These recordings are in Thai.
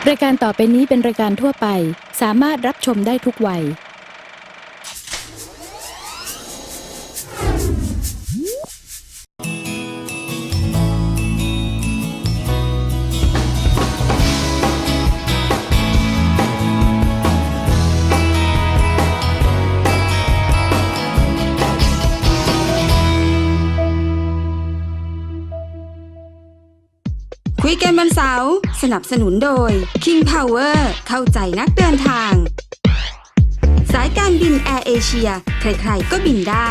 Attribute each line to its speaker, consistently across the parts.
Speaker 1: รายการต่อไปนี้เป็นรายการทั่วไปสามารถรับชมได้ทุกวัย
Speaker 2: คุยกันวันเสาร์สนับสนุนโดย King Power เข้าใจนักเดินทางสายการบินแอร์เอเชียใครๆก็บินได้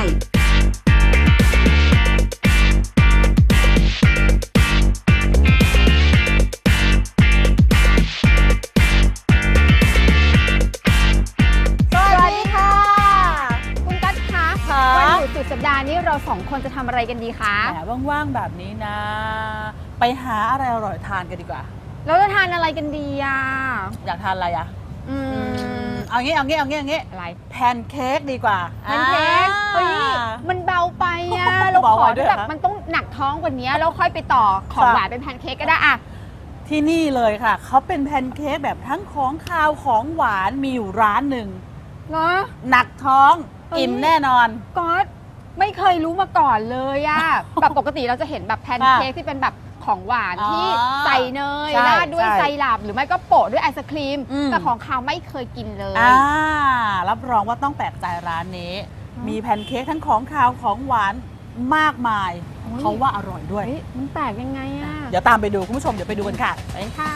Speaker 3: สวัสดีค่ะคุณกั๊ดคะวันหยุดสุดสัปดาห์นี้เราสองคนจะทำอะไรกันดีคะ
Speaker 4: แหมว่างๆแบบนี้นะ ไปหาอะไรอร่อยทานกันดีกว่า
Speaker 3: เราจะทานอะไรกันดีอ่ะ
Speaker 4: อยากทานอะไรอะ
Speaker 3: อืม
Speaker 4: เอางี้
Speaker 3: อะไร
Speaker 4: แพนเค้กดีกว่า
Speaker 3: แพนเค้กเฮ้ยมันเบาไปอ่ะเรา
Speaker 4: เบา
Speaker 3: ข
Speaker 4: ไป
Speaker 3: อ
Speaker 4: ด้
Speaker 3: ที่
Speaker 4: วยเหร
Speaker 3: แบ
Speaker 4: อ
Speaker 3: บมันต้องหนักท้องกว่านี้แล้วค่อยไปต่อของ
Speaker 4: ค่ะ
Speaker 3: หวานเป็นแพนเค้กก็ได้อ่ะ
Speaker 4: ที่นี่เลยค่ะ เขาเป็นแพนเค้กแบบทั้งของคาวของหวานมีอยู่ร้านหนึ่ง
Speaker 3: เหรอ
Speaker 4: หนักท้อง
Speaker 3: เฮ้ย
Speaker 4: อิ่มแน่นอน
Speaker 3: ก๊อตไม่เคยรู้มาก่อนเลยอ่ะ แบบปกติเราจะเห็นแบบแพนเค้กที่เป็นแบบของหวาน
Speaker 4: อ๋อ
Speaker 3: ที่ใส่เนย
Speaker 4: ใช่
Speaker 3: ราดด้วย
Speaker 4: ใช่
Speaker 3: ไซรัปหรือไม่ก็โปะด้วยไอศครีม
Speaker 4: อืม
Speaker 3: แต่ของคาวไม่เคยกินเลย
Speaker 4: รับรองว่าต้องแปลกใจร้านนี้ มีแพนเค้กทั้งของคาวของหวานมากมาย
Speaker 3: โอ้ย
Speaker 4: เขาว่าอร่อยด้วย
Speaker 3: เฮ้ยมันแปลกยังไงอ่ะ
Speaker 4: เดี๋ยวตามไปดูคุณผู้ชมเดี๋ยวไปดูกันค่ะไป
Speaker 3: ค่ะ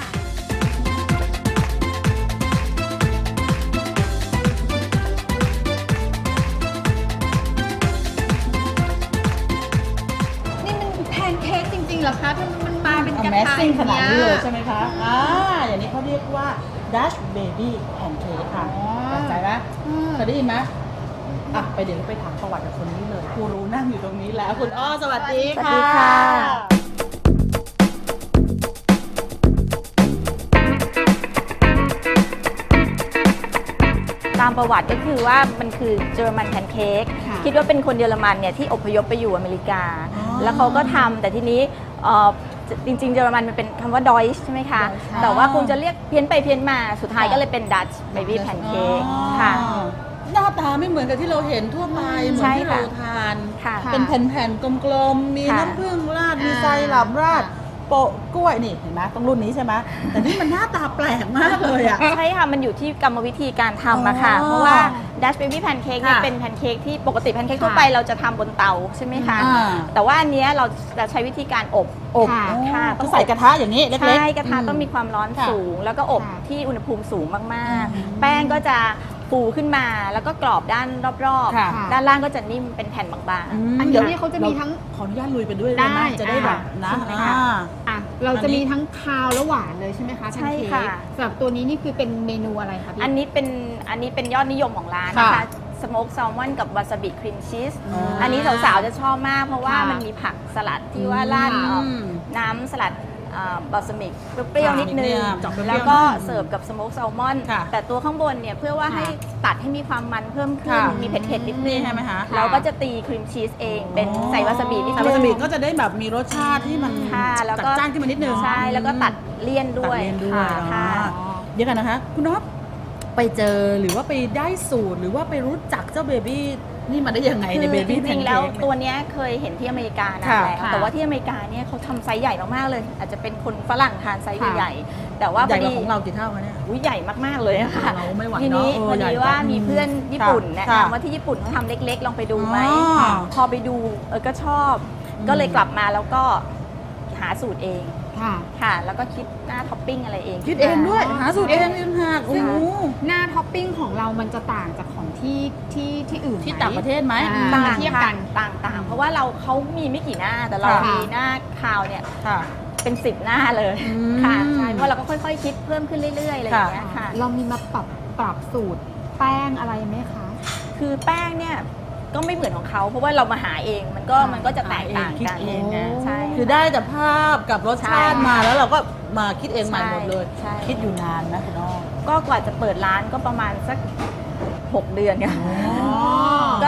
Speaker 3: นี่มันแพนเค้กจริงๆเหรอคะทำไมมันมาเป็นกระทะ
Speaker 4: Amazing ขนาดนี้เลยใช่
Speaker 3: ไหม
Speaker 4: ไหมคะอย่างนี้เขาเรียกว่า Dutch Baby Pancake ค่ะ
Speaker 3: อ๋อ
Speaker 4: สนใจไหมเคยได้ยินไหมเดี๋ยวไปถามประวัติกับคนนี้เลยครูรู้นั่งอยู่ตรงนี้แล้วคุณอ้อสวัสดีค่ะ
Speaker 3: สวัสดีค่ะ
Speaker 5: ตามประวัติก็คือว่ามันคือเยอรมันแพนเค้ก
Speaker 3: ค่ะ
Speaker 5: คิดว่าเป็นคนเยอรมันเนี่ยที่อพยพไปอยู่อเมริกา
Speaker 4: อ๋อ
Speaker 5: แล้วเขาก็ทำแต่ทีนี้จริงๆเยอรมันมันเป็นคำว่าดอยช์ใช่ไหมคะ
Speaker 3: Deutsch ค่ะ
Speaker 5: แต่ว่าคงจะเรียกเพี้ยนไปเพี้ยนมาสุดท้ายก็เลยเป็นดัตช์เบบี้แพนเค้กค่ะ
Speaker 4: หน้าตาไม่เหมือนกับที่เราเห็นทั่วไปเหมือนที่
Speaker 5: ใช่ค่ะ
Speaker 4: เราทาน
Speaker 5: ค่ะ
Speaker 4: เป็นแผ่นๆกลมๆมี
Speaker 5: ค่ะ
Speaker 4: น้ำผึ้งราดมีไซรัปราดโปะกล้วยนี่เห็นไหมต้องรุ่นนี้ใช่ไหมแต่นี่มันหน้าตาแปลกมากเลยอ่ะ
Speaker 5: ใช่ค่ะ มันอยู่ที่กรรมวิธีการทำอะค่ะ
Speaker 4: อ๋อ
Speaker 5: เพราะว่าดัชเบบี้แพนเค้กเนี่ย
Speaker 4: ค่ะ
Speaker 5: เป็นแพนเค้กที่ปกติแพนเค้กทั่วไปเราจะทำบนเตาใช่ไหมคะ
Speaker 4: อ่า
Speaker 5: แต่ว่าอันเนี้ยเราจะใช้วิธีการอบ
Speaker 3: ค่ะ
Speaker 5: ค่ะ
Speaker 4: ต้องใส่กระทะอย่างนี้เล็กๆ
Speaker 5: ใช่กระทะต้องมีความร้อน
Speaker 4: ค่ะ
Speaker 5: สูง แล้วก็อบ
Speaker 3: ค่ะ
Speaker 5: ที่อุณหภูมิสูงมาก
Speaker 4: อืม
Speaker 5: ๆ แป้งก็จะฟูขึ้นมาแล้วก็กรอบด้านรอบ
Speaker 4: ค่ะ
Speaker 5: ๆ ด้านล่างก็จะนิ่มเป็นแผ่นบาง
Speaker 3: อัน
Speaker 4: ดี๋
Speaker 3: นี้
Speaker 4: ยว
Speaker 3: เขาจะมีทั้ง
Speaker 4: ขออนุญาตลุยไปด้วย
Speaker 3: ได้
Speaker 4: ได้ไหมจะได้แบบนะ
Speaker 3: ใช่ไหมคะ อ่ะเราจะมีทั้งคาวและหวานเลยใช่ไหมคะแพน
Speaker 5: ใช่
Speaker 3: เค้ก
Speaker 5: ค่ะ
Speaker 3: สำหรับตัวนี้นี่คือเป็นเมนูอะไรคะพี่
Speaker 5: อันนี้เป็นยอดนิยมของร้านนะคะสโมกแซลมอนกับวาซาบิครีมชีส อันนี้สาวๆจะชอบมากเพราะว่า
Speaker 3: ค่ะ
Speaker 5: มันมีผักสลัดที่ว่าราด น้ำสลัดบอสมิกเปรี้ยวๆนิดนึง
Speaker 4: เจาะเปรี้ยวๆ
Speaker 5: แล้วก็เสิร์ฟกับสโมกแซลมอน
Speaker 4: ค่ะ
Speaker 5: แต่ตัวข้างบนเนี่ยเพื่อว่าให้ตัดให้มีความมันเพิ่มขึ้น
Speaker 4: ค่ะ
Speaker 5: มีเผ็ดๆนิดนึ
Speaker 4: นี่
Speaker 5: ง
Speaker 4: ใช่ไหมคะ
Speaker 5: เราก็จะตีครีมชีสเองเป็นใส่วาซาบินิด
Speaker 4: ใส่
Speaker 5: นึ
Speaker 4: วาง ซาบิก็จะได้แบบมีรสชาติที่มัน
Speaker 5: ค่ะแล้ว
Speaker 4: จัด
Speaker 5: ก็
Speaker 4: จ้านขึ้นมานิดนึง
Speaker 5: ใช่แล้วก็ตัดเลี่ยน
Speaker 4: ตัด
Speaker 5: ด้วย
Speaker 4: เลี่ยนด้วย
Speaker 5: ค่ะ
Speaker 4: เดี๋ยวกันนะคะ คุณน็อปไปเจอหรือว่าไปได้สูตรหรือว่าไปรู้จักเจ้าเบบี้นี่มาได้ยังไง
Speaker 5: คื
Speaker 4: ใน
Speaker 5: อ
Speaker 4: เบ
Speaker 5: จ
Speaker 4: บี้แพ
Speaker 5: ริ
Speaker 4: น
Speaker 5: งๆ
Speaker 4: เค้
Speaker 5: แล้ว
Speaker 4: ก
Speaker 5: ตัวเนี้ยเคยเห็นที่อเมริกานะ
Speaker 4: ค่ะ
Speaker 5: แล้ว
Speaker 3: ค่ะ
Speaker 5: แต่ว่าที่อเมริกาเนี่ยเขาทำไซส์ใหญ่มากๆเลย อาจจะเป็นคนฝรั่งทานไซส์
Speaker 3: ค่ะ
Speaker 5: ใหญ่ๆแต่ว่า
Speaker 4: ใหญ่
Speaker 5: พ
Speaker 4: ก
Speaker 5: อ
Speaker 4: ว่า
Speaker 5: ดี
Speaker 4: ของเรากี่เท่าคะเนี่ย
Speaker 5: อุ๊ยใหญ่มากๆเลยอะค่ะ
Speaker 4: เราไม่ไหว
Speaker 5: ทีนี้
Speaker 4: เนอะ
Speaker 5: พอ
Speaker 4: ใหญ่
Speaker 5: ดีว่า
Speaker 4: จัง
Speaker 5: มีเพื่อนญี่ปุ่นแนะ
Speaker 4: ค่ะ
Speaker 5: นำว่าที่ญี่ปุ่นเขาทำเล็กๆ ลองไปดูไหม
Speaker 4: อ๋อ
Speaker 5: พอไปดูก็ชอบ ก็เลยกลับมาแล้วก็หาสูตรเอง
Speaker 3: ค่ะ
Speaker 5: ค่ะ แล้วก็คิดหน้าท็อปปิ้งอะไรเอง
Speaker 4: คิดเองด้วย
Speaker 3: อ๋อ
Speaker 4: หาสูตรเองอีกหักโอ้
Speaker 3: ซึ่ง
Speaker 4: โห
Speaker 3: หน้าท็อปปิ้งของเรามันจะต่างจากของที่อื่นไหม
Speaker 4: ที่ต่างประเทศไหม
Speaker 3: อ่า
Speaker 5: ต่าง
Speaker 3: เทียบ
Speaker 5: ค่ะ
Speaker 3: กัน
Speaker 5: ต่างๆ เพราะว่าเขามีไม่กี่หน้าแต่เรา
Speaker 4: ค่ะ
Speaker 5: มีหน้าคาวเนี่ย
Speaker 4: ค่ะ
Speaker 5: เป็น10หน้าเลย
Speaker 4: อืม
Speaker 5: ค่ะใช่เพราะเราก็ค่อยๆ คิดเพิ่มขึ้นเรื่อยๆอะไรอย่างเงี้ยค่ะ
Speaker 3: เรามีมาปรับสูตรแป้งอะไรไหมคะ
Speaker 5: คือแป้งเนี่ยก็ไม่เหมือนของเขาเพราะว่าเรามาหาเองมันก็จะแตกต่าง
Speaker 4: คิด
Speaker 5: กัน
Speaker 4: เองไง
Speaker 5: ใช่
Speaker 4: คือได้แต่ภาพกับรสชาติ
Speaker 5: ใช่
Speaker 4: มาแล้วเราก็มาคิดเองใหม่หมดเลย
Speaker 5: ใช่
Speaker 4: คิดอยู่นานนะคุณน้อง
Speaker 5: ก็กว่าจะเปิดร้านก็ประมาณสัก6 เดือนค่ะ
Speaker 3: อ๋อ
Speaker 5: ก็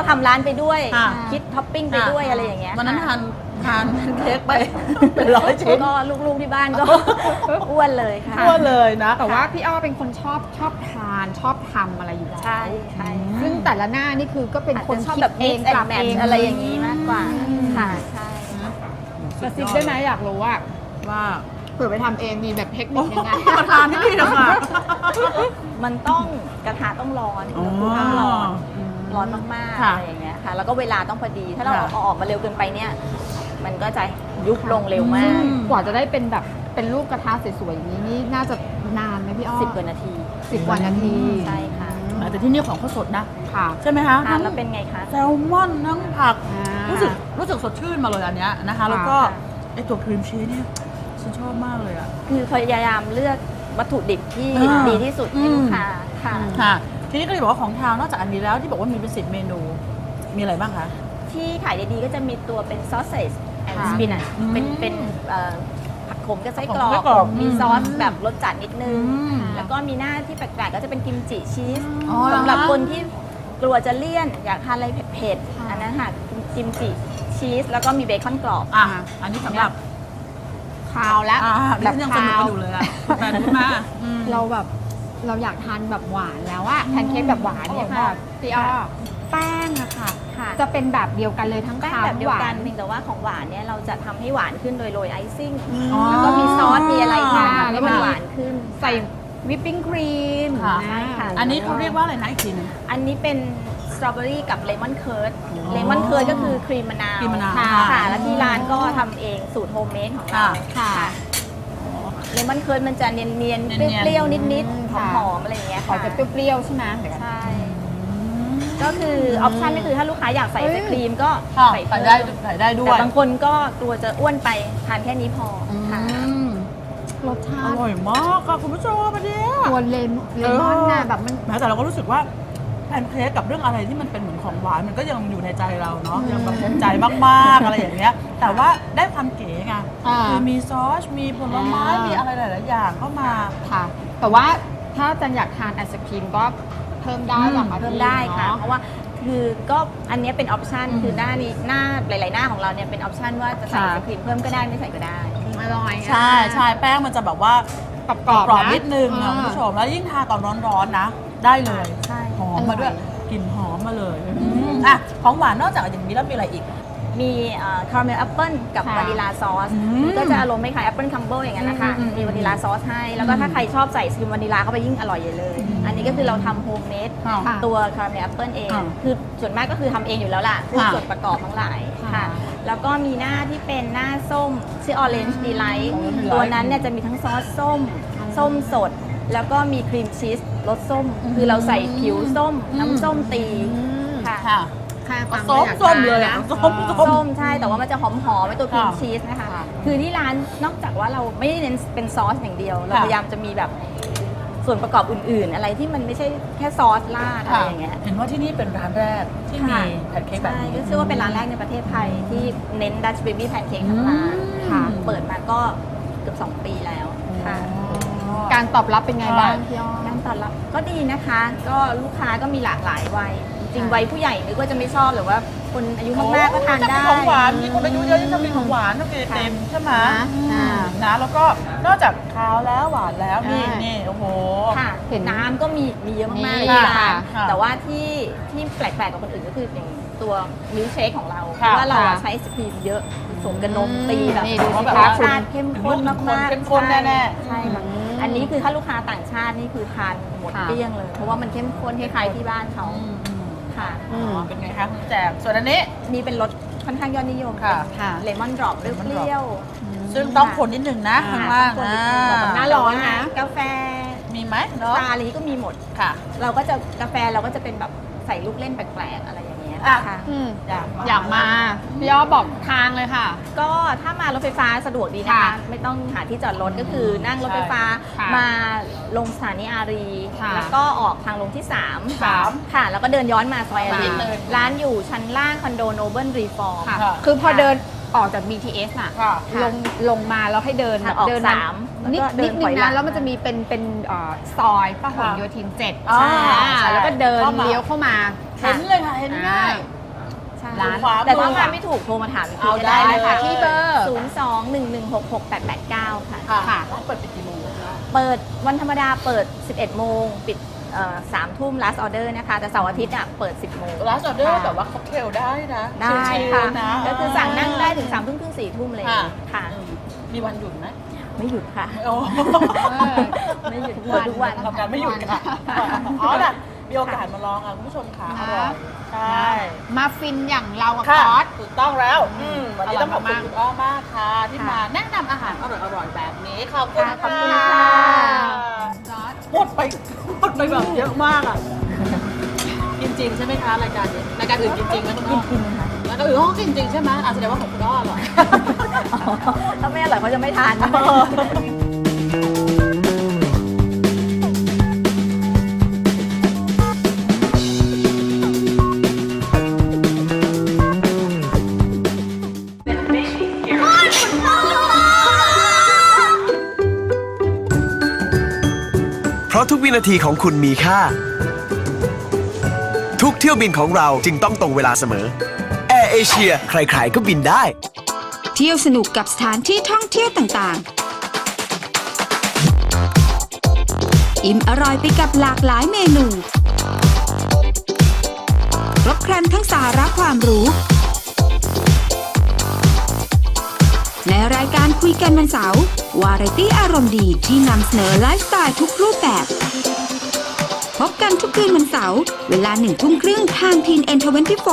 Speaker 5: ทำร้านไปด้วย
Speaker 4: ค่ะ
Speaker 5: คิดท็อปปิ้งไปด้วยอะไรอย่างเงี้ย
Speaker 4: วันนั้น
Speaker 5: ค่ะ
Speaker 4: ทานเค้กไปเป็น100 ชิ้น
Speaker 5: ก็ลูกๆที่บ้านก็ อ้วนเลยค่ะ
Speaker 4: ทั่วเลยนะ
Speaker 3: แต่ว่าพี่อ้อเป็นคนชอบทานชอบทำอะไรอยู่แล้ว
Speaker 5: ใช่ใช่
Speaker 3: ซึ่งแต่ละหน้านี่คือก็เป็น
Speaker 5: อาจ
Speaker 3: คน
Speaker 5: จะชอบ
Speaker 3: คิด
Speaker 5: แบบ
Speaker 3: เอ
Speaker 5: mix
Speaker 3: ง
Speaker 5: and
Speaker 3: ปรับเอง
Speaker 5: match อะไรอย่างนี้มากกว่าค่ะใช่
Speaker 3: กระซิบได้ไหมอยากรู้ว่า
Speaker 4: ว่า
Speaker 3: เผื่อไปทำเองมีแบบเทคนิคยังไง
Speaker 4: ประธานที่นี่นะคะ
Speaker 5: มันต้องกระทะต้องร้อนอุณหภูมิต้องร้อนมากๆ
Speaker 4: ค่ะ
Speaker 5: อะไรอย่างเงี้ยค่ะ แล้วก็เวลาต้องพอดี ถ้าเรา
Speaker 4: ค่ะ
Speaker 5: เอาออกมาเร็วเกินไปเนี่ย มันก็จะยุบลงเร็วมาก
Speaker 3: กว่าจะได้เป็นแบบเป็นรูปกระทะสวยๆอย่างนี้นี่น่าจะนานไหมพี่อ้อ
Speaker 5: 10 กว่านาที
Speaker 3: 10 กว่านาที
Speaker 5: ใช่ค่ะ
Speaker 4: แต่ที่นี่ของเขาสดนะ
Speaker 3: ค่ะ
Speaker 4: ใช่ไหมคะ
Speaker 5: ทานแล้วเป็นไงคะ
Speaker 4: แซลมอนทั้งผัก
Speaker 3: อ่า
Speaker 4: รู้สึกสดชื่นมาเลยอันเนี้ยนะคะ แล้วก็ไอตัวครีมชีสเนี่ยฉันชอบมากเลยอ่ะ
Speaker 5: คือพยายามเลือกวัตถุดิบที่
Speaker 4: อ่า
Speaker 5: ดีที่สุดให้ลูกค้าค่ะ
Speaker 4: ค่ะทีนี้ก็เลยบอกว่าของทางนอกจากอันนี้แล้วที่บอกว่ามีเป็น10 เมนูมีอะไรบ้างคะ
Speaker 5: ที่ขายดีๆก็จะมีตัวเป็นซอสเซจแอนด์
Speaker 3: ค่ะ
Speaker 5: สปินัช
Speaker 4: อืม
Speaker 5: เป็นผักขมกับไส้กรอ
Speaker 4: ผักขมไส้กรอก
Speaker 5: กมีซอสแบบรสจัดนิดนึง
Speaker 4: อืม
Speaker 5: แล้วก็มีหน้าที่แปลกๆก็จะเป็นกิมจิชีส
Speaker 4: อ๋อเหรอคะ
Speaker 5: สำหรับคนที่กลัวจะเลี่ยน อยากทานอะไรเผ็ด
Speaker 3: ค่ะ
Speaker 5: ๆอันนั้นค่ะกิมจิชีสแล้วก็มีเบคอนกรอบ
Speaker 4: อ่ะอันนี้สำหรับ
Speaker 3: คาวแล้ว
Speaker 4: แบ
Speaker 3: แบบ บ
Speaker 4: ยังส
Speaker 3: คา
Speaker 4: นุก
Speaker 3: ว
Speaker 4: กันอยู่เลยอ่ะแต่รู้มาอืม
Speaker 3: เราแบบเราอยากทานแบบหวานแล้วอะแพนเค้กแบบหวานเนี่ย
Speaker 4: อร่อย
Speaker 3: ค่ะ
Speaker 4: มาก
Speaker 3: พี่อ้อแป้งอะค่ะ
Speaker 5: ค่ะ
Speaker 3: จะเป็นแบบเดียวกันเลยทั้ง
Speaker 5: แป้ง
Speaker 3: คาว
Speaker 5: แบบเดียว
Speaker 3: หวา
Speaker 5: กัน
Speaker 3: น
Speaker 5: เพียงแต่ว่าของหวานเนี่ยเราจะทำให้หวานขึ้นโดยโรยไอซิ่ง
Speaker 4: อ๋อ
Speaker 5: แล้วก็มีซอสมีอะไรค่ะ
Speaker 3: อ่า
Speaker 5: ทำให้มันหวานขึ้น
Speaker 3: ใส่วิปปิ้งครีม
Speaker 4: ค่ะ
Speaker 5: ใช่ค่ะ
Speaker 4: อันนี้เขาเรียกว่าอะไรนะอีกทีหนึง
Speaker 5: อันนี้เป็นสตรอเบอรี่กับเลมอนเคิร์ดเลมอนเคิร์ดก็คือครีมมะนาว
Speaker 4: ครีมมะนาว
Speaker 5: ค่ะ
Speaker 4: ค่ะ
Speaker 5: แล้วที่ร้านก็ทำเองสูตรโฮมเมดของเรา
Speaker 3: ค่ะ
Speaker 5: เลมอนเคิร์ดมันจะเนียนๆ
Speaker 4: เนียนๆ
Speaker 5: เปรี้ยวๆนิด
Speaker 3: ค่ะ
Speaker 5: ๆหอมๆอะไรอย่างเงี้ย
Speaker 3: ขอ
Speaker 5: ค่ะ
Speaker 3: จะเปรี้ยวๆใช่ไหม
Speaker 5: ใช่ ก็คือออปชันก็คือถ้าลูกค้าอยากใส่ไอศครีมก็
Speaker 4: ค่ะ
Speaker 5: ใส่
Speaker 4: ใส่
Speaker 5: เพิ่ม
Speaker 4: ได้ใส่ได้ด้ว
Speaker 5: แต่
Speaker 4: ย
Speaker 5: บางคนก็กลัวจะอ้วนไปทานแค่นี้พอค่ะ
Speaker 3: รสชา
Speaker 4: อ
Speaker 3: ติ
Speaker 4: ร่อยมากค่ะคุณผู้ชมอันเนี้ย
Speaker 3: ตัวเลมอนน่ะแบบมัน
Speaker 4: แม้แต่เราก็รู้สึกว่าแพนเค้กกับเรื่องอะไรที่มันเป็นเหมือนของหวานมันก็ยังอยู่ในใจเราเนาะยังแบบภูมิใจมากๆอะไรอย่างเงี้ย แต่ว่าได้ความเก๋ไง
Speaker 3: อ่า
Speaker 4: คือมีซอสมีผลไม้
Speaker 3: อ่ามี
Speaker 4: มีอะไรหลายๆอย่างเข้ามา
Speaker 3: ค่ะ แต่ว่าถ้าจันอยากทานไอศครีมก็เพิ่มได้หรอคะ
Speaker 5: เพิ่มได้ค่ะ
Speaker 3: เนา
Speaker 5: เพราะว่าคือก็อันเนี้ยเป็นออปชัน
Speaker 3: อืม
Speaker 5: คือหน้านี้หน้าหลาย ๆ หน้าของเราเนี่ยเป็นออปชันว่าจะใส่ไอ
Speaker 3: ค่ะ
Speaker 5: ศครีมเพิ่มก็ได้ไม่ใส่ก็ได้
Speaker 3: อร่อย
Speaker 4: ใช่ใช่แป้งมันจะแบบว่าก
Speaker 3: รอบ
Speaker 4: กรอบ
Speaker 3: ๆะ
Speaker 4: นิดนึงอะคุณผู้ชมแล้วยิ่งทานตอนร้อนๆนะ ได้เลย
Speaker 5: ใช่
Speaker 4: หอมมาด้วยกลิ่นหอมมาเลยอ่ะของหวานนอกจากอย่างนี้แล้วมีอะไรอีก
Speaker 5: มีคาราเมลแอปเปิลกับ
Speaker 3: ค่ะ
Speaker 5: วานิลาซอส
Speaker 4: อืม
Speaker 5: ก็จะอารมณ์คล้ายแอปเปิลคัมเบิลอย่างนั้นนะคะ
Speaker 3: อืม
Speaker 5: มีวานิลาซอสให้ แล้วก็ถ้าใครชอบใส่สกิมวานิลาเข้าไปยิ่งอร่อยใหญ่เลย อันนี้ก็คือเราทำโฮมเมด
Speaker 4: ค่ะ
Speaker 3: ค่ะ
Speaker 5: ตัวคาราเมลแอปเปิลเอง
Speaker 4: ค่ะ
Speaker 5: คือส่วนมากก็คือทำเองอยู่แล้วล่ะพวก
Speaker 4: ค่ะ
Speaker 5: ส่วนประกอบทั้งหลาย
Speaker 3: ค่ะ
Speaker 5: ค่ะ แล้วก็มีหน้าที่เป็นหน้าส้มชื่อ Orange Delight
Speaker 4: Orange Delight
Speaker 5: ตัวนั้นเนี่ยจะมีทั้งซอสส้ม ส้มสด แล้วก็มีครีมชีสรสส้ม คือเราใส่ผิวส้ม น้ำส้มตีค่ะ
Speaker 4: ค่ะ
Speaker 3: ค่ะฟัง
Speaker 4: ส้ม
Speaker 3: อยาก
Speaker 4: ส้ม
Speaker 3: ทาน
Speaker 4: เลย
Speaker 3: นะ
Speaker 4: อะส้ม
Speaker 5: ส้มใช่ แต่ว่ามันจะหอมๆในตัวครีม
Speaker 4: ค่ะ
Speaker 5: ชีสนะคะ
Speaker 3: ค่ะ
Speaker 5: คือที่ร้านนอกจากว่าเราไม่ได้เน้นเป็นซอสอย่างเดียว เรา
Speaker 4: ค่ะ
Speaker 5: พยายามจะมีแบบส่วนประกอบอื่นๆ อะไรที่มันไม่ใช่แค่ซอสราดอะไรอย่างเงี้ย
Speaker 4: เห็นว่าที่นี่เป็นร้านแรกที่มี
Speaker 5: ค่ะ
Speaker 4: แพนเค้กแบบ
Speaker 5: ใช่
Speaker 4: นี้
Speaker 5: ก็เชื่อว่าเป็นร้านแรกในประเทศไทยที่เน้นดัชเบบี้แพนเค้กทั้งร้าน
Speaker 3: ค่ะ
Speaker 5: เปิดมาก็เกือบ2 ปีแล้วค่ะ
Speaker 3: การตอบรับเป็นไงบ้างพี่อ้อ
Speaker 5: การตอบรับก็ดีนะคะ ก็ลูกค้าก็มีหลากหลายวัย จริงๆวัยผู้ใหญ่นึกว่าจะไม่ชอบหรือว่าคนอายุมากๆก็ทานได้
Speaker 4: ของหวานมีคนอายุเยอะยิ่งชอบกินของหวานชอบกินไอติมใช่ไหมนะแล้วก็นอกจากคาวแล้วหวานแล้วนี่
Speaker 3: ใช่
Speaker 4: นี่โอ้โห
Speaker 5: ค่ะ
Speaker 3: เห็น
Speaker 5: น้ำก็มีเยอะมากๆ
Speaker 3: มี
Speaker 5: เลยที่ร้าน
Speaker 4: ค่ะ
Speaker 5: แต่ว่าที่แปลกๆกว่าคนอื่นก็คืออย่างตัวมิลค์เชคของเราเพ
Speaker 4: ค่ะ
Speaker 5: ราะว่าเราอะ
Speaker 3: ค่ะ
Speaker 5: ใช้ไอศครีมเยอะผสมกับนมตีแบบ
Speaker 3: นี่ดูสิ
Speaker 5: แบบ
Speaker 3: คะ
Speaker 5: รสชาติเข้มข้นมากๆ
Speaker 4: เข้มข้นแน่ๆ
Speaker 5: ใช่ค่ะอันนี้คือถ้าลูกค้าต่างชาตินี่คือทานหมด
Speaker 3: ค่ะ
Speaker 5: เกลี้ยงเลย เพราะว่ามันเข้มข้นคล้ายๆที่บ้านเขาค่ะ
Speaker 4: อ๋อเป็นไงคะคุณแจกส่วนอันนี้
Speaker 5: นี่เป็นรสค่อนข้างยอดนิยม
Speaker 4: ค่ะ
Speaker 3: ค่ะ
Speaker 5: เลมอนดรอปเปรี้ยว
Speaker 4: ซึ่งต้องคนนิดนึงนะข้างล่าง
Speaker 5: คน
Speaker 4: อ่
Speaker 3: หน้า
Speaker 4: า
Speaker 3: ร้อนนะ
Speaker 5: กาแฟ
Speaker 4: มีไหมเนาะ
Speaker 5: ตาอะไรนี้ก็มีหมด
Speaker 4: ค่ะ
Speaker 5: เราก็จะกาแฟเราก็จะเป็นแบบใส่ลูกเล่นแปลกๆอะไรอย่างเงี้ย
Speaker 4: อ่ะ
Speaker 5: ค่ะ
Speaker 3: อยากมาพี่อ้อบอกทางเลยค่ะ
Speaker 5: ก็ถ้ามารถไฟฟ้าสะดวกดีนะคะ
Speaker 3: ค่ะ
Speaker 5: ไม่ต้องหาที่จอดรถก็คือนั่งรถไฟฟ้า
Speaker 3: ค่ะ
Speaker 5: มาลงสถานีอารี
Speaker 3: ค่ะ
Speaker 5: แล้วก็ออกทางลงที่
Speaker 3: สาม
Speaker 5: 3 ค่ะ แล้วก็เดินย้อนมาซอยอารี
Speaker 3: ค่ะ
Speaker 5: ร้านอยู่ชั้นล่างคอนโดโนเบิลรีฟอร์ม
Speaker 3: ค่ะ
Speaker 4: ค่ะ
Speaker 3: คือพอเดินออกจาก BTS น่ะ
Speaker 4: ค่ะ
Speaker 3: ลงมาแล้วให้เดิน
Speaker 5: ทางออก
Speaker 3: เดิน
Speaker 5: สาม
Speaker 3: นิด
Speaker 5: แล้วก็เดิ
Speaker 3: นิ
Speaker 5: น
Speaker 3: ด
Speaker 5: ถ
Speaker 3: นึ
Speaker 5: อย
Speaker 3: ง
Speaker 5: หลั
Speaker 3: นะ
Speaker 5: ง
Speaker 3: แล้วมันจะมีเป็นซอยพหลโยธิน 7
Speaker 4: อ๋อ
Speaker 3: ใช่
Speaker 4: ใช่
Speaker 3: แล้วก็เดิน
Speaker 4: เข้ามา
Speaker 3: เลี้ยวเข้ามา
Speaker 4: เห็นเลยค่ะเห็นง่าย
Speaker 3: อ่
Speaker 5: ใช่
Speaker 3: ร้าน
Speaker 5: แต่ถ้ามาไม่ถูกโทรมาถามอีกที
Speaker 4: เอา
Speaker 5: ก็
Speaker 4: ได้
Speaker 5: ได้
Speaker 4: เลย
Speaker 5: นะคะ
Speaker 3: ที่เบอร์
Speaker 5: 02-116-6889 ค่ะ
Speaker 4: ค่ะร้านเปิดปิดกี่โมงคะ
Speaker 5: เปิดวันธรรมดาเปิด 11 โมง ปิด3 ทุ่ม last order นะคะ แต่เสาร์อาทิตย์อ่ะเปิด 10 โมง
Speaker 4: ร้านออเดอร์
Speaker 5: ค่ะ
Speaker 4: แบบว่าค็อกเทลได้นะ
Speaker 5: ได้
Speaker 4: ชิล
Speaker 5: ค่ะ
Speaker 4: ๆนะ
Speaker 5: ก็คือสั่งนั่งได้ถึง3 ทุ่มครึ่ง 4 ทุ่มเลย
Speaker 4: ค่ะ
Speaker 5: ค่ะ
Speaker 4: มีวันหยุดไหม
Speaker 5: ไม่หยุดค่ะ
Speaker 4: โอ้
Speaker 5: ไม่หยุดเปิดทุกวัน
Speaker 4: ทำการไม่หยุดค่ะอ๋อล่ะมีโอกาสมาลองอ่ะคุณผู้ชมค่ะอร่อยใช่
Speaker 3: มาฟินอย่างเรากับ
Speaker 4: ค่ะ
Speaker 3: คอส
Speaker 4: ถูกต้องแล้ววันนี้
Speaker 3: อร่อย
Speaker 4: ต้องขอบคุณ
Speaker 3: มากๆ
Speaker 4: คุณอ้อมากค่ะ ที่
Speaker 5: ค่ะ
Speaker 4: มาแนะนำอาหารอร่อยๆแบบนี้ขอบคุณ
Speaker 5: ค่ะขอบ
Speaker 4: ค่ะ
Speaker 5: คุณค่ะ
Speaker 4: หมดไปแบบเยอะมากอ่ะกินจริงใช่ไหมคะรายการนี้รายการอื่นกินจริงไหมคุณอ้อ
Speaker 5: กินค่ะ
Speaker 4: รายการอื่นเขาก็กินจริงใช่ไหมแสดงว่าของคุณอ้ออร่อย
Speaker 5: ถ้าไม่อร่อยเขาจะไม่ทาน
Speaker 6: เพราะทุกวินาทีของคุณมีค่า ทุกเที่ยวบินของเราจึงต้องตรงเวลาเสมอ แอร์เอเชียใครๆก็บินได้
Speaker 2: เที่ยวสนุกกับสถานที่ท่องเที่ยวต่างๆ อิ่มอร่อยไปกับหลากหลายเมนูครบครันทั้งสาระความรู้ ในรายการคุยกันวันเสาร์วาไรตี้อารมณ์ดีที่นำเสนอไลฟ์สไตล์ทุกรูปแบบ พบกันทุกคืนวันเสาร์เวลา1 ทุ่มครึ่งทางทีนN24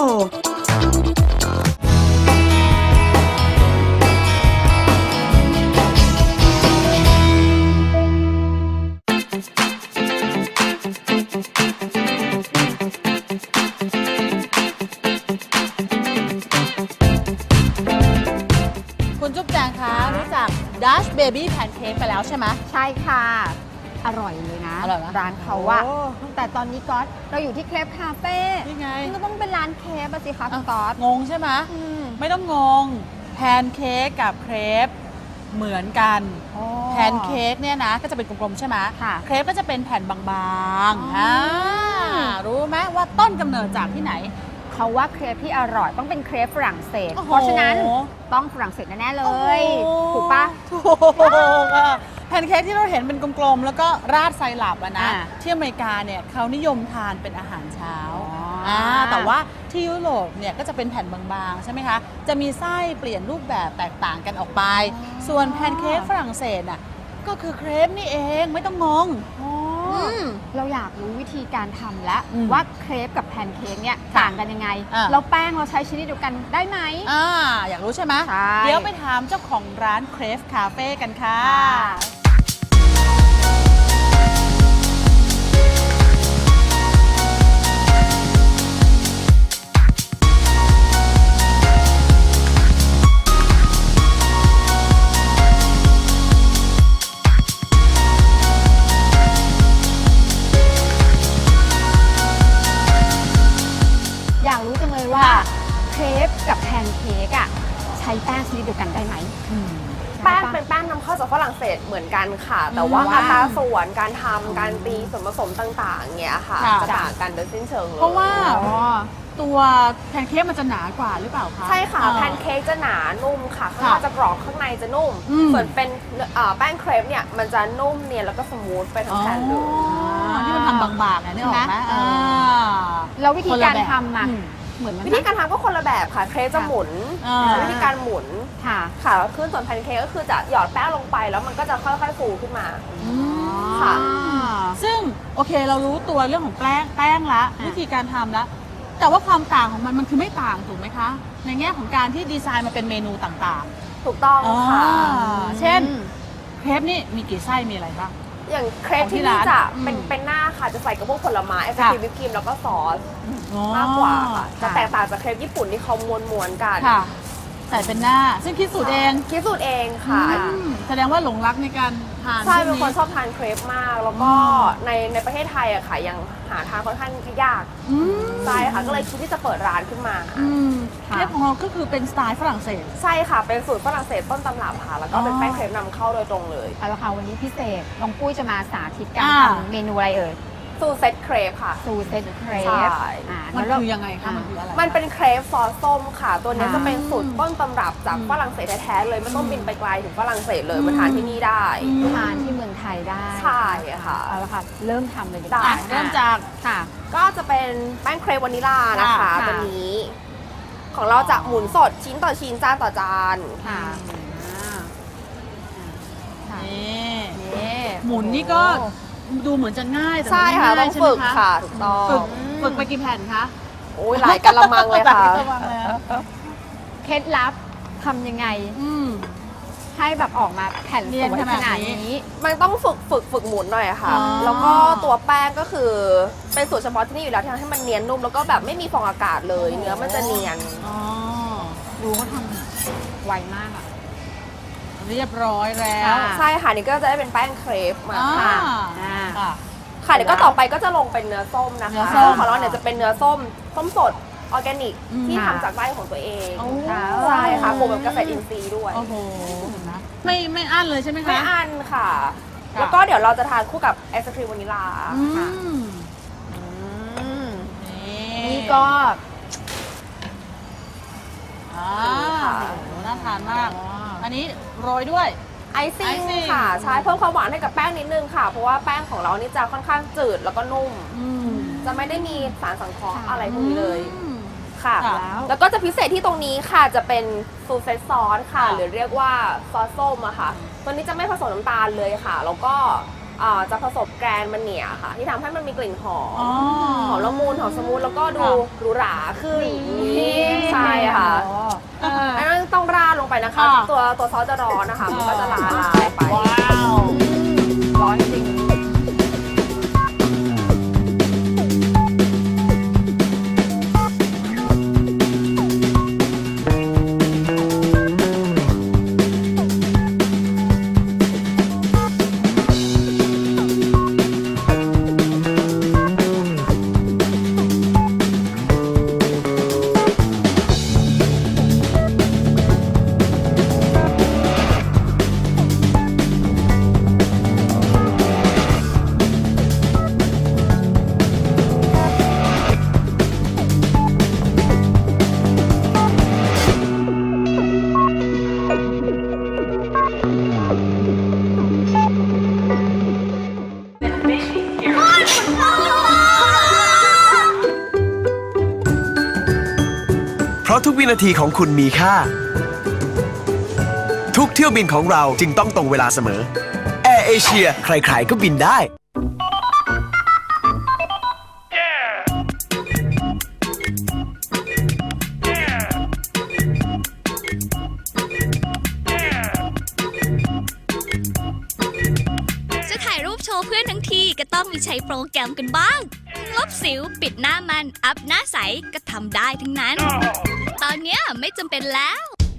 Speaker 4: คุณจุ๊บแจงคะรู้จัก Dash Baby Pancake ไปแล้วใช่ไหม
Speaker 3: ใช่ค่ะ อร่อยเลยนะ
Speaker 4: อร่อยไหม
Speaker 3: ร้านเขาอะ
Speaker 4: โอ้
Speaker 3: แต่ตอนนี้ก๊อตเราอยู่ที่เครปคาเฟ่
Speaker 4: นี่ไง
Speaker 3: มันก็ต้องเป็นร้านเครปอะสิคะคุณก๊อต
Speaker 4: งงใช่ไหม
Speaker 3: อืม
Speaker 4: ไม่ต้องงง แพนเค้กกับเครปเหมือนกัน
Speaker 3: อ๋อ
Speaker 4: แพนเค้กเนี่ยนะก็จะเป็นกลมๆใช่ไหม
Speaker 3: ค่ะ
Speaker 4: เครปก็จะเป็นแผ่นบาง
Speaker 3: อ๋อ
Speaker 4: ๆ
Speaker 3: อ่
Speaker 4: รู้ไหมว่าต้นกำเนิดจากที่ไหน
Speaker 3: เขาว่าเครปที่อร่อยต้องเป็นเครปฝรั่งเศส
Speaker 4: โอ้โห
Speaker 3: เพราะฉะนั้นต้องฝรั่งเศสแน่ๆเลย
Speaker 4: โอ้โห
Speaker 3: ถูกปะ
Speaker 4: ถูกอะแพนเค้กที่เราเห็นเป็นกลมๆ แล้วก็ราดไซรัปอะนะ
Speaker 3: อ่า
Speaker 4: ที่อเมริกาเนี่ยเขานิยมทานเป็นอาหารเช้า
Speaker 3: อ๋ออ่
Speaker 4: แต่ว่าที่ยุโรปเนี่ยก็จะเป็นแผ่นบางๆ ใช่ไหมคะ จะมีไส้เปลี่ยนรูปแบบแตกต่างกันออกไป ส่วนแพนเค้กฝรั่งเศสน่ะก็คือเครปนี่เองไม่ต้องงง
Speaker 3: เราอยากรู้วิธีการทำแล้ว
Speaker 4: อืม
Speaker 3: ว่าเครปกับแพนเค้กเนี่ย
Speaker 4: ค่ะ
Speaker 3: ต่างกันยังไง
Speaker 4: อ่า
Speaker 3: แล้วแป้งเราใช้ชนิดเดียวกันได้ไหม
Speaker 4: อยากรู้ใช่ไหม
Speaker 3: ใช่
Speaker 4: เดี๋ยวไปถามเจ้าของร้านเครฟคาเฟ่กันค่ะ
Speaker 3: อยากรู้จังเลยว่าเครปกับแพนเค้กอะใช้แป้งชนิดเดียวกันได้ไหม
Speaker 7: แป้งเป็นแป้งนำเข้าจากฝรั่งเศสเหมือนกันค่ะ แต่ว่า
Speaker 3: ว้าว
Speaker 7: อัตราส่วนการทำการตีส่วนผสมต่างๆเงี้ยค่ะ
Speaker 4: ค่ะ
Speaker 7: จะต่างกันโดยสิ้นเชิงเลย
Speaker 4: เพราะว่า
Speaker 3: อ๋อ
Speaker 4: ตัวแพนเค้กมันจะหนากว่าหรือเปล่าคะ
Speaker 7: ใช่ค่ะ
Speaker 4: อ่า
Speaker 7: แพนเค้กจะหนานุ่มค่ะข้างนอกจะกรอบข้างในจะนุ่ม
Speaker 4: อืม
Speaker 7: ส่วนเป็นแป้งเครปเนี่ยมันจะนุ่มเนียนแล้วก็สมูทไปทั้งแผ่นเลย
Speaker 4: ที่มันทำบางๆนะนี่ออกไหม
Speaker 3: ใช่ไหมแล้ววิธีการทำอะ
Speaker 4: อืม
Speaker 3: เหมือนมัน
Speaker 7: วิธีการทำก็คนละแบบค่ะเครปจะหมุน
Speaker 4: อ่า
Speaker 7: ใช้วิธีการหมุน
Speaker 3: ค่ะ
Speaker 7: ค่ะแล้วขึ้นส่วนแพนเค้กก็คือจะหยอดแป้งลงไปแล้วมันก็จะค่อยๆฟูขึ้นมา ค่ะ
Speaker 4: ซึ่งโอเคเรารู้ตัวเรื่องของแป้งละวิธีการทำละแต่ว่าความต่างของมันคือไม่ต่างถูกไหมคะ ในแง่ของการที่ดีไซน์มาเป็นเมนูต่าง
Speaker 7: ถูกต้อง
Speaker 4: ๆ
Speaker 7: ค่ะ
Speaker 4: เช่นเครปนี่มีกี่ไส้มีอะไรบ้าง
Speaker 7: อย่างเครป
Speaker 4: ของที่
Speaker 7: ที่นี่
Speaker 4: ร้าน
Speaker 7: จะ
Speaker 4: อืม
Speaker 7: เป็นหน้าค่ะจะใส่กับพวกผลไม้ไอศ
Speaker 4: ค่ะ
Speaker 7: ครีมวิปครีมแล้วก็ซอสมากกว่าค่ะจะแตกต่างจากเครปญี่ปุ่นที่เขาม้วนๆกัน
Speaker 4: ค่ะใส่เป็นหน้า ซึ่งคิดสูตรเอง
Speaker 7: คิดสูตรเองค่ะ
Speaker 4: แสดงว่าหลงรักในการทาน
Speaker 7: ใช่
Speaker 4: ช่
Speaker 7: เป็
Speaker 4: วน ง
Speaker 7: คนชอบทานเครปมาก แล้วก็ในประเทศไทยอะค่ะยังหาทานค่อนข้างยาก
Speaker 4: อืม
Speaker 7: ใช่ค่ะก็เลยคิดที่จะเปิดร้านขึ้นมา
Speaker 4: อืม
Speaker 3: ค่ะ
Speaker 4: เครปของเราก็คือเป็นสไตล์ฝรั่งเศส
Speaker 7: ใช่ค่ะเป็นสูตรฝรั่งเศสต้นตำรับค่ะแล้วก็เป็นแป้งเครปนำเข้าโดยตรงเลย
Speaker 3: เอาละค่ะวันนี้พิเศษน้องปุ้ยจะมาสาธิตการ
Speaker 4: อ่า
Speaker 3: ทำเมนูอะไรเอ่ย
Speaker 7: ซูเซตเครปค่ะ
Speaker 3: ซูเซตเคร
Speaker 7: ใช่
Speaker 3: ป
Speaker 4: มัน
Speaker 3: งั้เรา
Speaker 4: คือยังไงคะมันคืออะไร
Speaker 7: มันเป็นเครปซอสส้มค่ะ ตัวนี้
Speaker 3: ค่ะ
Speaker 7: จะเป็นสูตรต้นตำรับจากฝรั่งเศสแท้ๆเลยไม่ต้องบินไปไกลถึงฝรั่งเศสเลยมาทานที่นี่ได้
Speaker 3: ทานที่เมืองไทยได้
Speaker 7: ใช่ค่ะ
Speaker 3: เอาละค่ะ เริ่มทำเลยดีก
Speaker 7: ได้
Speaker 3: ว่า
Speaker 4: เริ่มจาก
Speaker 3: ค่ะ
Speaker 7: ก็จะเป็นแป้งเครปวานิลลานะคะ
Speaker 3: ค่ะ
Speaker 7: ตัวนี้ ของเราจะหมุนสดชิ้นต่อชิ้นจานต่อจาน
Speaker 3: ค่ะค่ะ
Speaker 4: นี่
Speaker 3: นี่
Speaker 4: หมุนนี่ก็ดูเหมือนจะง่ายแต่
Speaker 7: ใช่
Speaker 4: มัน
Speaker 7: ค่ะ
Speaker 4: ไม่
Speaker 7: ต้
Speaker 4: ง่า
Speaker 7: อย ง
Speaker 4: ใช่ไหม
Speaker 7: ฝึก
Speaker 4: คะ
Speaker 7: ค่ะถูกต้อง
Speaker 4: ฝึกไปกี่แผ่นคะ
Speaker 7: โอ้ยหลายกะละมังเลยค่ะ
Speaker 4: หลายกะละมังเลยอะ
Speaker 3: เคล็ดลับทำยังไง
Speaker 4: อืม
Speaker 3: ให้แบบออกมาแผ่น
Speaker 4: เนี
Speaker 3: ส
Speaker 4: ยน
Speaker 3: วย
Speaker 4: ข
Speaker 3: ข
Speaker 4: นาด
Speaker 3: นาด
Speaker 4: นี้
Speaker 3: นี้
Speaker 7: มันต้องฝึกหมุนหน่อยค่ะ
Speaker 4: อ๋อ
Speaker 7: แล้วก็ตัวแป้งก็คือเป็นสูตรเฉพาะที่นี่อยู่แล้วที่ทำให้มันเนียนนุ่มแล้วก็แบบไม่มีฟองอากาศเลย เนื้อมันจะเนียน
Speaker 4: อ๋อ
Speaker 3: ดูเขาทำไวมากอ่ะ
Speaker 4: เรียบร้อยแล้ว
Speaker 3: ค่ะ
Speaker 7: ใช่ค่ะนี่ก็จะได้เป็นแป้งเครปมา
Speaker 4: อ่า
Speaker 7: ค่ะ
Speaker 4: ค่ะ
Speaker 7: ค่ะเดี๋ยวก็ต่อไปก็จะลงเป็นเนื้อส้มนะ
Speaker 4: เนื้อ
Speaker 7: คะ
Speaker 4: ส้ม
Speaker 7: ของเราเนี่ยจะเป็นเนื้อส้มสดออร์แกนิก
Speaker 4: อืม
Speaker 7: ที่
Speaker 3: ค่ะ
Speaker 7: ทำจากไร่ของตัวเอง
Speaker 4: โอ้
Speaker 7: ใช่ค่ะปลูกแบบเกษตรอินทรีย์ด้วย
Speaker 4: โอ้โหเห็นไหมไม่อั้นเลยใช่ไหมคะ
Speaker 7: ไม่อันค่ะ
Speaker 4: ค่ะ
Speaker 7: แล้วก็เดี๋ยวเราจะทานคู่กับไอศครีมวานิลลา
Speaker 4: อื
Speaker 7: ค่ะ
Speaker 4: ม
Speaker 3: นี่ก็
Speaker 4: อ่าโหน่าทานมาก อันนี้โรยด้วย
Speaker 7: ไอซิ่ง
Speaker 4: icing
Speaker 7: ค่ะใช่เพิ่มความหวานให้กับแป้งนิดนึงค่ะ เพราะว่าแป้งของเรานี่จะค่อนข้างจืดแล้วก็นุ่ม จะไม่ได้มีสารสังเคราะห์อะไรพวกนี้เลยค่ะ
Speaker 4: ค่ะ
Speaker 7: แล้วก็จะพิเศษที่ตรงนี้ค่ะจะเป็นซูเฟซอสค่ะ
Speaker 4: ค่ะ
Speaker 7: หรือเรียกว่าซอสส้มอะค่ะ ตัวนี้จะไม่ผสมน้ำตาลเลยค่ะ แล้วก็จะผสมแกรนมันเนียค่ะ ที่ทำให้มันมีกลิ่นหอม หอมละมุนหอมสมูทแล้วก็ดู
Speaker 4: ค่ะ
Speaker 7: หรูหราขึ้นใช่ค่ะ
Speaker 3: เออ
Speaker 7: อันนั้นต้องราดลงไปนะคะ
Speaker 4: ค่ะ
Speaker 7: ตัวซอสจะร้อนนะคะ มันก็จะละลายไป
Speaker 4: ว้าว
Speaker 3: ร้อนจริง
Speaker 6: เพราะทุกวินาทีของคุณมีค่า ทุกเที่ยวบินของเราจึงต้องตรงเวลาเสมอ แอร์เอเชียใครๆก็บินได้
Speaker 8: จะถ่ายรูปโชว์เพื่อนทั้งทีก็ต้องมีใช้โปรแกรมกันบ้าง ลบสิวปิดหน้ามัน อัพหน้าใสก็ทำได้ทั้งนั้น ตอนเนี้ยไม่จำเป็นแล้ว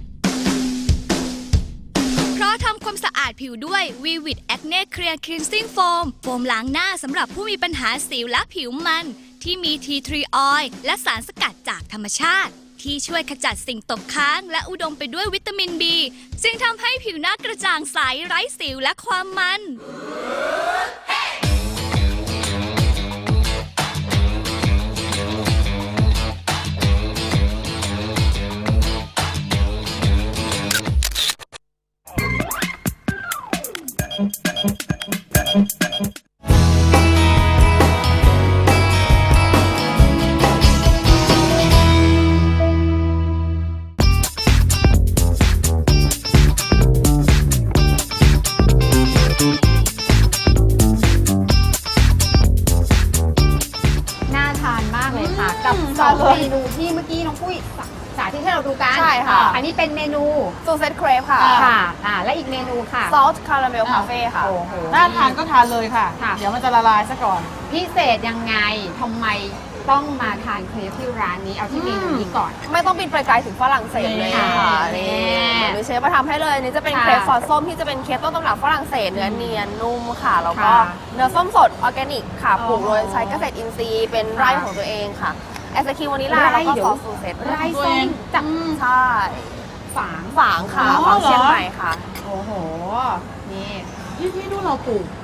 Speaker 8: เพราะทำความสะอาดผิวด้วย Vivid Acne Clear Cleansing Foam โฟมล้างหน้าสำหรับผู้มีปัญหาสิวและผิวมัน ที่มี Tea Tree Oil และสารสกัดจากธรรมชาติ ที่ช่วยขจัดสิ่งตกค้าง และอุดมไปด้วยวิตามิน B ซึ่งทำให้ผิวหน้ากระจ่างใสไร้สิวและความมัน
Speaker 3: น่าทานมากเลยค่ะ กับสองเมนูที่เมื่อกี้น้องปุ้ยสาธิตให้เราดูกัน
Speaker 7: ใช่ค่ะ
Speaker 3: อันนี้เป็นเมนู
Speaker 7: ซูเซตเครปค่ะ
Speaker 3: ค่ะและอีกเมนูค่ะ
Speaker 7: ซอสคาราเมลคาเฟ่ค่ะ
Speaker 3: โอ้โห
Speaker 4: น่าทานก็ทานเลยค่ะ
Speaker 3: ค่ะ
Speaker 4: เดี๋ยวมันจะละลายซะก่อน
Speaker 3: พิเศษยังไงทำไมต้องมาทานเครปที่ร้านนี้เอาที่เมนูนี้ก่อน
Speaker 7: ไม่ต้องบินไปไกลถึงฝรั่งเศสเลยค่ะ
Speaker 3: นี่
Speaker 7: นี่เดี๋ยวเชฟมาทำให้เลยนี่จะเป็น
Speaker 3: ค่ะ
Speaker 7: เครปซอสส้มที่จะเป็นเครปต้นตำรับฝรั่งเศสเนื้อเนียนนุ่มค่ะ แล้วก็
Speaker 3: ค่ะ
Speaker 7: เนื้อส้มสดออร์แกนิกค่ะ
Speaker 3: อ๋อ
Speaker 7: ปลูกโดยใช้เกษตรอินทรีย์เป็นไร่ของตัวเองค่ะไอศครีมวานิลลา
Speaker 3: ไร่
Speaker 7: แล้วก็
Speaker 3: เดี๋ยว
Speaker 7: ซอสซูเซต
Speaker 3: ไร่ส้มจาก
Speaker 7: ใช่
Speaker 3: ฝาง
Speaker 7: ฝางค่ะ
Speaker 4: อ๋อ
Speaker 7: ฝางเชียง
Speaker 4: เหรอ
Speaker 7: ใหม่ค่ะ
Speaker 3: โอ้โห นี่
Speaker 4: ที่ดูเราปลูก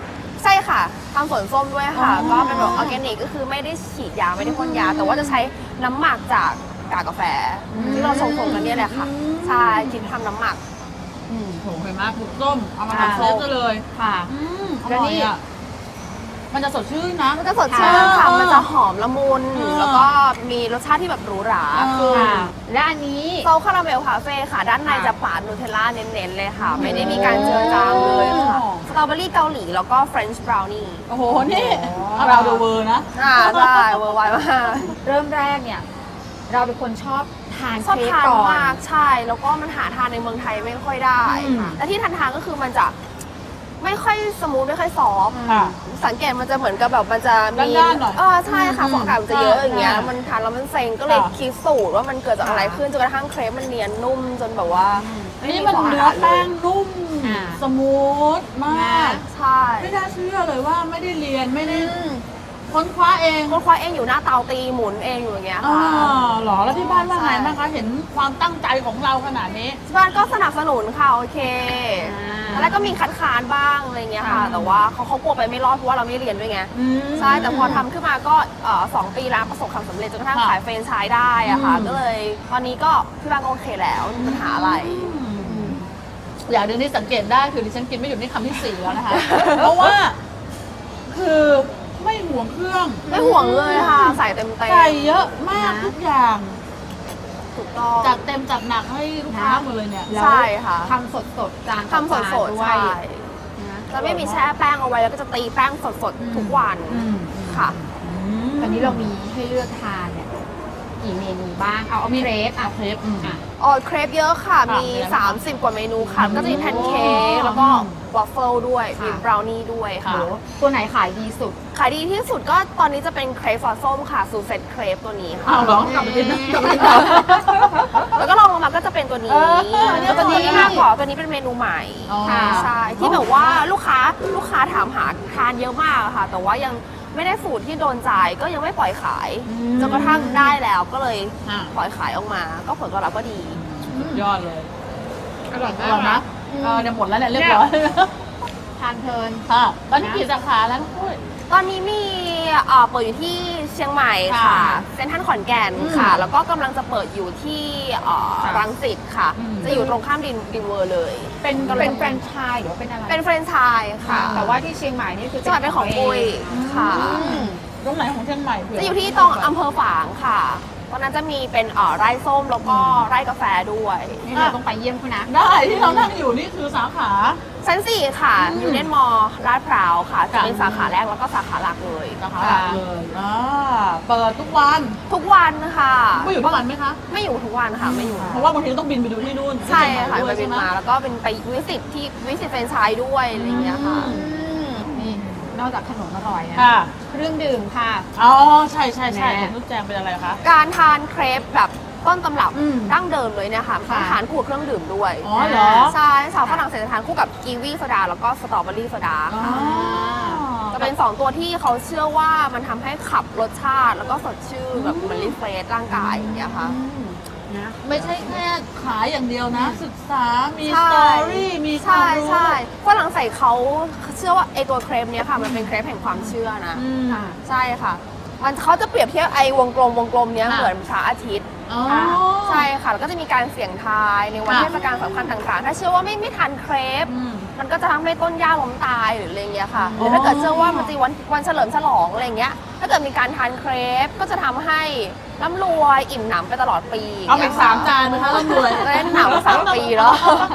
Speaker 7: ใช่ค่ะทำสวนส้มด้วยค่ะ ก็เป็นแบบออร์แกนิกก็คือไม่ได้ฉีดยาไม่ได้พ่นยา แต่ว่าจะใช้น้ำหมักจากกากกาแฟ ที่เราชงๆกันเนี่ยแหละค่ะใช่คิดทำน้ำหมัก
Speaker 4: โหเห็นไหมปลูกส้มเอามาทำเซฟกันเลย
Speaker 3: ค่ะ
Speaker 4: อร่อยอ่ะมันจะสดชื่นนะ
Speaker 7: มันจะสดชื่นค่ะมันจะหอมละมุน แล้วก็มีรสชาติที่แบบหรูหราคือ
Speaker 3: และอันนี้
Speaker 7: โซลคาราเมลคาเฟ่ค่ะ ด้านในจะปาดนูเทลล่าเน้นๆเลยค่ะ ไม่ได้มีการเจือจางเลยค่ะสตรอเบอรี่เกาหลีแล้วก็เฟรนช์บราวนี่
Speaker 4: โอ้โห นี่เราดูเวอร์นะ
Speaker 7: ใช่เวอร์ไวมาก
Speaker 3: เริ่มแรกเนี่ย เราเป็นคนชอบทาน
Speaker 7: ชอบ
Speaker 3: เค้ก
Speaker 7: ทาน
Speaker 3: ก่อน
Speaker 7: มากใช่ แล้วก็มันหาทานในเมืองไทยไม่ค่อยได้ค่ะและที่ทานก็คือมันจะไม่ค่อยสมูทไม่ค่อยซอฟต์
Speaker 4: ค่ะ
Speaker 7: สังเกตมันจะเหมือนกับแบบมันจะมี
Speaker 4: ด้านๆหน่อย
Speaker 7: ใช่ค่ะฟองอากาศมันจะเยอะอย่างเงี้ย
Speaker 4: ใช่
Speaker 7: มันทานแล้วมันเซ็งก็เลย
Speaker 4: ค่ะ
Speaker 7: คิดสูตรว่ามันเกิดจากอะไรขึ้นจนกระทั่งเครปมันเนียนนุ่มจนแบบว่าไม่
Speaker 4: นี่
Speaker 7: มี
Speaker 4: มัน
Speaker 7: ฟองอา
Speaker 4: เนื้อก
Speaker 7: าศเล
Speaker 4: แป้
Speaker 7: ย
Speaker 4: งนุ่ม สมูทมาก
Speaker 7: ใช่
Speaker 4: ไม่น่าเชื่อเลยว่าไม่ได้เรียนไม่ได้ค้นคว้าเอง
Speaker 7: คนควายเองอยู่หน้าเตาตีหมุนเองอยู่อย่างเงี้ย
Speaker 4: อ๋อ
Speaker 7: ค่ะ
Speaker 4: เหรอ แล้วที่บ้านว่าไง
Speaker 7: ใช่
Speaker 4: บ้างคะ เห็นความตั้งใจของเราขนาดนี้
Speaker 7: ที่บ้านก็สนับสนุนค่ะโอเคตอนแรกก็มีคัดค้านบ้างอะไรเงี้ยค่ะ แต่ว่าเขากลัวไปไม่รอดเพราะว่าเราไม่เรียนด้วยไง ใช่ แต่พอทำขึ้นมาก็2 ปีแล้วประสบความสำเร็จจนกระทั่ง
Speaker 4: ค่ะ
Speaker 7: ขายแฟรนไชส์ได้อะค่ะ
Speaker 4: อืม
Speaker 7: ก็เลยตอนนี้ก็ที่บ้านก็โอเคแล้วไม่มีปัญหาอะไร
Speaker 4: อย่างหนึ่งที่สังเกตได้คือดิฉันกินไม่หยุดนี่คำที่ 4 แล้วนะคะ เพราะว่า คือไม่ห่วงเครื่อง
Speaker 7: ไม่ห่วงเลยค่ะ ใส่เต็ม
Speaker 4: ใส่เยอะมากทุกอย่าง
Speaker 7: ถูกต้อง
Speaker 4: จัดเต็มจัดหนักให้ลูกค้าหมดเลยเนี่ย
Speaker 3: แล้ว
Speaker 7: ใช่ค่ะ
Speaker 3: ทำสดๆจาน
Speaker 7: ทำสด
Speaker 3: ต่อ
Speaker 7: ๆ
Speaker 3: จานด้ว
Speaker 7: ใช่
Speaker 3: ยนะ
Speaker 7: จะไม่มีแช่แป้งเอาไว้แล้วก็จะตีแป้งสดๆทุกวันค่ะ
Speaker 3: ตอนนี้เรามีให้เลือกทานเนี่ยกี่เมนูบ้าง เอาเครป
Speaker 4: เครป
Speaker 7: เครปเยอะค่ะ มี
Speaker 4: มีอะไรบ้าง
Speaker 7: 30 กว่าเมนูค่ะ ก็จะมีแพนเค้กแล้วก็วอฟเฟิลด้วย มีบราวนี่ด้วยค่ะ
Speaker 3: ตัวไหนขายดีสุด
Speaker 7: ขายดีที่สุดก็ตอนนี้จะเป็นเครปซอสส้มค่ะซูเซ็ตเครปตัวนี้ค่ะ
Speaker 4: อ้าวเหรอกลับไปกินนะกลับไปกิน
Speaker 7: แล้วก็ลองลงมาก็จะเป็นตัวนี้
Speaker 4: เนี่ย
Speaker 7: ตัวนี้
Speaker 4: ตัวนี้
Speaker 7: มากกว่าตัวนี้เป็นเมนูใหม่
Speaker 4: อ๋อ
Speaker 7: ใช่ที่แบบว่าลูกค้าถามหาทานเยอะมากอะค่ะ แต่ว่ายังไม่ได้สูตรที่โดนใจก็ยังไม่ปล่อยขายจนกระทั่งได้แล้วก็เลย
Speaker 4: อ่ะ
Speaker 7: ปล่อยขายออกมา ก็ผลตอบรับก็ดี
Speaker 4: ยอดเลย
Speaker 3: อร่อย
Speaker 4: อร่อยนะเนี่ยหมดแล้วเนี่ยเรียบร้อย
Speaker 3: ทานเพลิน
Speaker 4: ค่ะตอนนี้กี่สาขาแล้วน้องปุ้ย
Speaker 7: ตอนนี้มีเปิดอยู่ที่เชียงใหม่ค่ะ
Speaker 4: ค่ะ
Speaker 7: เซ็นทรัลขอนแก่นค่ะ แล้วก็กำลังจะเปิดอยู่ที่รังสิตค่ะ จะอยู่ตรงข้ามดินเวอร์เลย
Speaker 3: เป็นแฟรนไชส์หรือว่าเป็นอะไร
Speaker 7: เป็นแฟรนไชส์ค่ะ
Speaker 3: แต่ว่าที่เชียงใหม่นี่คือ
Speaker 7: จังหวัดเป็นของปุ้ยค่ะ
Speaker 4: ตรงไหนของเชียงใหม่เผื่
Speaker 7: จะอยู่ที่ตรงอำเภอฝางค่ะ ตอนนั้นจะมีเป็นไร่ส้มแล้วก็ไร่กาแฟด้วย
Speaker 3: นี่เราต้องไปเยี่ยมเขานะ
Speaker 4: ได้ที่เรานั่งอยู่นี่คือสาขา
Speaker 7: ชั้น4ค่ะ อยู่เน่นมอลาดพร้าวค่ะ จะเป็นสาขาแรกแล้วก็สาขาหลักเลย
Speaker 4: สาขาหลักเลยเปิดทุกวัน
Speaker 7: ทุกวันค่ะ
Speaker 4: ปุ้ยอยู่ทุกวันไหมคะ
Speaker 7: ไม่อยู่ทุกวันค่ะ ไม่อยู่
Speaker 4: เพราะว่าบางทีต้องบินไปดูที่นู่น
Speaker 7: ใช่ค่ะ
Speaker 4: ที่
Speaker 7: ไป
Speaker 4: เชียงใหม่ด้วยใช่ไหม
Speaker 7: บินมาแล้วก็เป็นไปวิสิตแฟรนไชส์ด้วยอะไรอย่างเงี้ยค่ะ
Speaker 3: นี่นอกจากขนมอร่อยนะ
Speaker 4: ค่ะ
Speaker 3: เครื่องดื่มค่ะ
Speaker 4: อ๋อใช่ใช่
Speaker 3: แม่
Speaker 4: ของลูกแจงเป็นอะไรคะ
Speaker 7: การทานเครปแบบต้นตำรับ
Speaker 3: อืม
Speaker 7: ดั้งเดิมเลยเนี่ยค่ะต้องทานคู่กับเครื่องดื่มด้วย
Speaker 4: อ๋อเหรอ
Speaker 7: ใช่สาวฝรั่งเศสจะทานคู่กับกีวีโซดาแล้วก็สตรอเบอรี่โซดา
Speaker 4: อ๋อ
Speaker 7: ค่ะจะเป็น 2 ตัวที่เขาเชื่อว่ามันทำให้ขับรสชาติ แล้วก็สดชื่นแบบมันรีเฟรชร่างกายอย่างเงี้ยค่ะ
Speaker 3: นะ
Speaker 4: ไม่ใช่แค่ขายอย่างเดียวนะ ศึกษา มีส
Speaker 7: ใช่
Speaker 4: ตอรี่ มีควา
Speaker 7: ใช่
Speaker 4: มรู้
Speaker 7: ใช่ฝรั่งเศสเขาเชื่อว่าไอตัวเครปเนี้ยค่ะมันเป็นเครปแห่งความเชื่อนะ
Speaker 4: อืม
Speaker 7: ใช่ค่ะ มันเขาจะเปรียบเทียบไอ้วงกลมเนี้ย
Speaker 4: ค่ะ
Speaker 7: เหมือนพระอาทิตย์
Speaker 4: อ๋อ
Speaker 7: ใช่ค่ะ แล้วก็จะมีการเสี่ยงทายในวัน
Speaker 4: ค่ะ
Speaker 7: เทศกาลสำคัญต่างๆ ถ้าเชื่อว่าไม่ทานเครป
Speaker 4: อืม
Speaker 7: มันก็จะทำให้ต้นหญ้าล้มตายหรืออะไรเงี้ยค่ะ ห
Speaker 4: อ๋อ
Speaker 7: รือถ้าเกิดเชื่อว่ามันจะวันเฉลิมฉลองอะไรเงี้ย ถ้าเกิดมีการทานเครปก็จะทำให้ร่ำรวยอิ่มหนำไปตลอดปี
Speaker 4: เอาอีก3 จานไหมคะร่ำรวย
Speaker 7: จะได้หนำ3 ปีแล้ว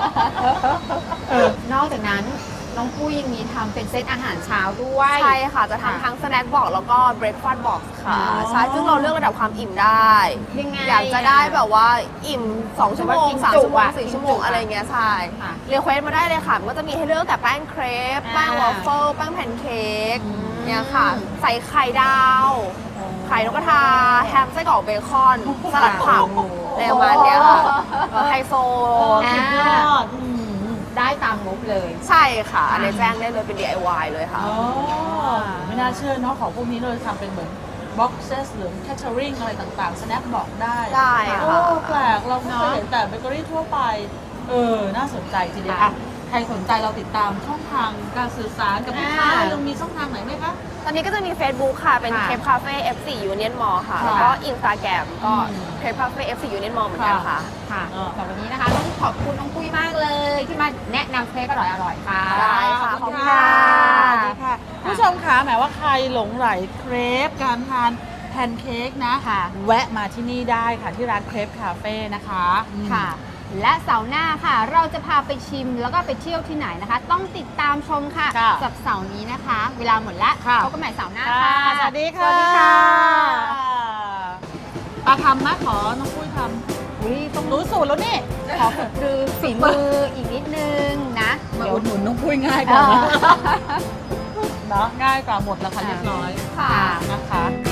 Speaker 3: นอกจากนั้นน้องปุ้ยยังมีทำเป็นเซตอาหารเช้าด้วย
Speaker 7: ใช่ค่ะ จะทำทั้งสแน็คบ็อกแล้วก็เบรคฟาสต์บ็อกค่ะ
Speaker 3: อ๋อ
Speaker 7: ใช่ ซึ่งเราเลือกระดับความอิ่มได้
Speaker 3: ยังไง
Speaker 7: อยากจะได้แบบว่าอิ่ม 2 ชั่วโมง 3 ชั่วโมง
Speaker 3: อะ
Speaker 7: 4 ชั่วโมงอะไรเงี้ยใช่
Speaker 3: ค่ะ
Speaker 7: เรียกเควสมาได้เลยค่ะ มันก็จะมีให้เลือกแต่แป้งเครป แป้งวอฟเฟิล แป้งแพนเค้กเนี่ยค่ะ ใส่ไข่ดาว ไข่นกกระทา แฮมไส้กรอกเบคอน สลัดผักอะไรประมาณเนี้ยค่ะไฮโซ
Speaker 3: อ่า
Speaker 4: ยอด
Speaker 3: ได้ตามงบเลย
Speaker 7: ใช่ค่ะ อันนี้แจ้งได้เลยเป็น DIY เลยค่ะ
Speaker 4: อ๋อ ไม่น่าเชื่อเนาะของพวกนี้เราทำเป็นเหมือน boxes หรือ catering อะไรต่างๆ snack บอกได้
Speaker 7: ได้ค่ะ
Speaker 4: โอ้แปลกเราไม่เคยเห็นแต่เบเกอรี่ทั่วไป น่าสนใจทีเดียวอ่ะใครสนใจเราติดตามช่องทางการสื่อสารกับลูกค้าเรามีช่องทางไหนไหมคะ
Speaker 7: ตอนนี้ก็จะมี Facebook ค่ะ เป็น
Speaker 3: ค่ะ
Speaker 7: เคปคาเฟ่ F4 Union Mall ค่ะ
Speaker 4: ค่ะ
Speaker 7: แล้วก็ Instagram ก็เคปคาเฟ่ F4 Union Mall เหมือนกันค่ะ
Speaker 3: ค่ะแต่วันนี้นะคะต้องขอบคุณน้องปุ้ยมากเลยที่มาแนะนำเครปอร่อยๆค่ะ
Speaker 7: ได้ค่ะ
Speaker 4: ขอบคุณ
Speaker 7: ขอบคุณ
Speaker 4: ค่ะ
Speaker 7: ค่ะ
Speaker 4: ดีค่ะผู้ชมคะแหมว่าใครหลงไหลเครปการทานแพนเค้กนะ
Speaker 3: ค่ะ
Speaker 4: แวะมาที่นี่ได้ค่ะที่ร้านเครปคาเฟ่นะคะ
Speaker 3: ค่ะ และเสาร์หน้าค่ะ เราจะพาไปชิมแล้วก็ไปเที่ยวที่ไหนนะคะ ต้องติดตามชมค่ะ
Speaker 4: ค่ะ
Speaker 3: กับเสาร์นี้นะคะ เวลาหมดแล้ว
Speaker 4: ค่ะ
Speaker 3: พบกันใหม่เสาร์หน้า
Speaker 4: ค่ะ
Speaker 3: ค่ะ
Speaker 4: สวัสดีค่ะ
Speaker 3: สวัสดีค่ะ
Speaker 4: ปลาทำนะขอน้องปุ้ยท
Speaker 3: อุ๊ยต้อง
Speaker 4: ำรู้สูตรแล้วนี่
Speaker 3: ขอฝึกคือฝีมืออีกนิดนึงนะ
Speaker 4: มา
Speaker 3: เดี๋ยว
Speaker 4: อุดหนุนน้องปุ้ยง่ายกว่านะเนาะง่ายกว่าหมดแล้วค่ะเรียบร้อย
Speaker 3: ค่ะ
Speaker 4: นะคะ